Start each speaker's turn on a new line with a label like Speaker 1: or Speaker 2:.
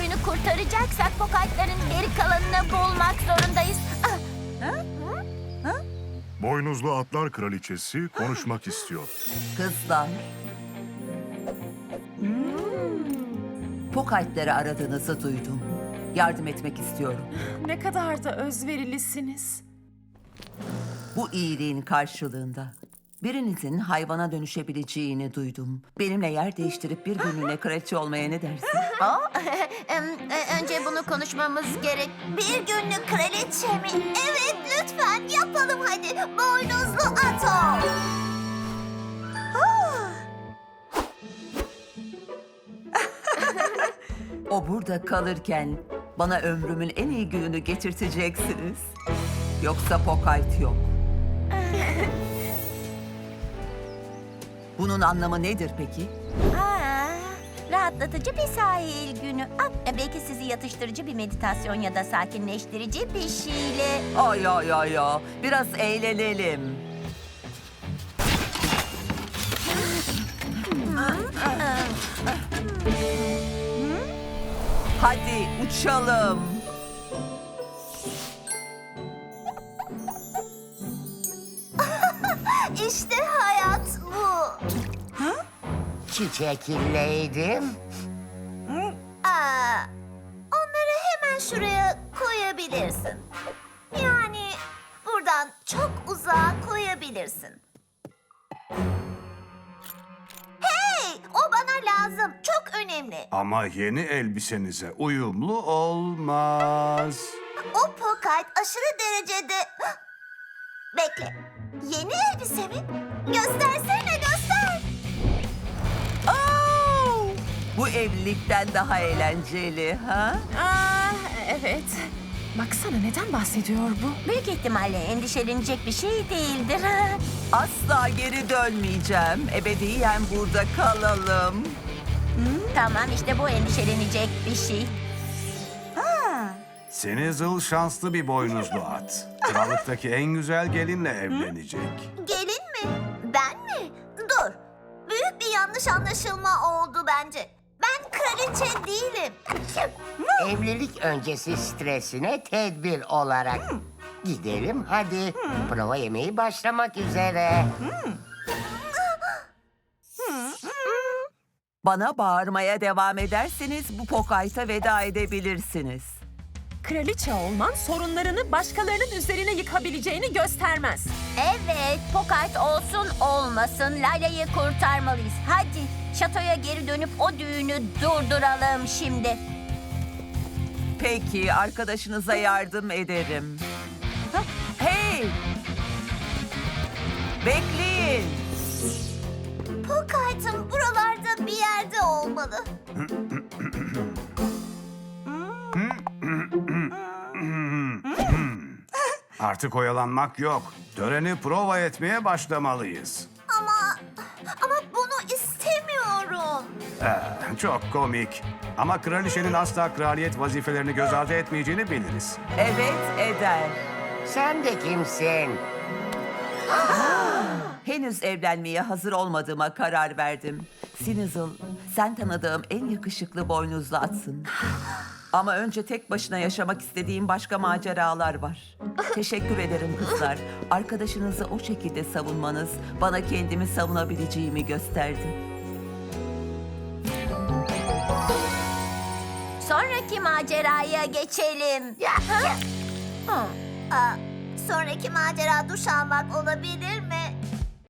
Speaker 1: Şatoyunu kurtaracaksak Pokatların geri kalanını bulmak zorundayız.
Speaker 2: Boynuzlu Atlar Kraliçesi konuşmak istiyor.
Speaker 3: Kızlar. Pokaytları aradığınızı duydum. Yardım etmek istiyorum.
Speaker 4: Ne kadar da özverilisiniz.
Speaker 3: Bu iyiliğin karşılığında birinizin hayvana dönüşebileceğini duydum. Benimle yer değiştirip bir günlüğüne kraliçe olmaya ne dersin?
Speaker 1: Önce bunu konuşmamız gerek. Bir günlük kraliçe mi? Evet, lütfen yapalım hadi. Boynuzlu Ato.
Speaker 3: O burada kalırken bana ömrümün en iyi gününü getirteceksiniz. Yoksa Pokayt yok. Bunun anlamı nedir peki?
Speaker 1: Rahatlatıcı bir sahil günü. Belki sizi yatıştırıcı bir meditasyon ya da sakinleştirici bir şeyle...
Speaker 3: Ay ay ay ya. Biraz eğlenelim. Hadi uçalım.
Speaker 1: İşte hayat bu.
Speaker 5: Çiçekilleydim.
Speaker 1: Onları hemen şuraya koyabilirsin. Yani buradan çok uzağa koyabilirsin. Hey, o bana lazım. Çok önemli.
Speaker 6: Ama yeni elbisenize uyumlu olmaz.
Speaker 1: O Pokayt aşırı derecede... Bekle. Yeni elbise mi? Göstersene, göster.
Speaker 3: Oo! Bu evlilikten daha eğlenceli ha?
Speaker 4: Evet. Baksana neden bahsediyor bu?
Speaker 1: Büyük ihtimalle endişelenecek bir şey değildir.
Speaker 3: Asla geri dönmeyeceğim. Ebediyen burada kalalım.
Speaker 1: Tamam, işte bu endişelenecek bir şey.
Speaker 6: Senizil şanslı bir boynuzlu at. Krallıktaki en güzel gelinle evlenecek.
Speaker 1: Gelin mi? Ben mi? Dur. Büyük bir yanlış anlaşılma oldu bence. Ben kraliçe değilim.
Speaker 5: Evlilik öncesi stresine tedbir olarak. Gidelim hadi. Prova yemeği başlamak üzere.
Speaker 3: Bana bağırmaya devam ederseniz bu Pokayt'a veda edebilirsiniz.
Speaker 4: Kraliçe olman sorunlarını başkalarının üzerine yıkabileceğini göstermez.
Speaker 1: Evet, Pokayt olsun olmasın Layla'yı kurtarmalıyız. Hadi şatoya geri dönüp o düğünü durduralım şimdi.
Speaker 3: Peki, arkadaşınıza yardım ederim. Hey! Bekleyin.
Speaker 1: Pokayt'ın buralarda bir yerde olmalı.
Speaker 6: Artık oyalanmak yok. Töreni prova etmeye başlamalıyız.
Speaker 1: Ama bunu istemiyorum.
Speaker 6: Çok komik. Ama kraliçenin asla kraliyet vazifelerini göz ardı etmeyeceğini biliriz.
Speaker 3: Evet, eder.
Speaker 5: Sen de kimsin?
Speaker 3: Henüz evlenmeye hazır olmadığıma karar verdim. Sinizil, sen tanıdığım en yakışıklı boynuzlu atsın. Ama önce tek başına yaşamak istediğim başka maceralar var. Teşekkür ederim kızlar. Arkadaşınızı o şekilde savunmanız bana kendimi savunabileceğimi gösterdi.
Speaker 1: Sonraki maceraya geçelim. Sonraki macera duş almak olabilir mi?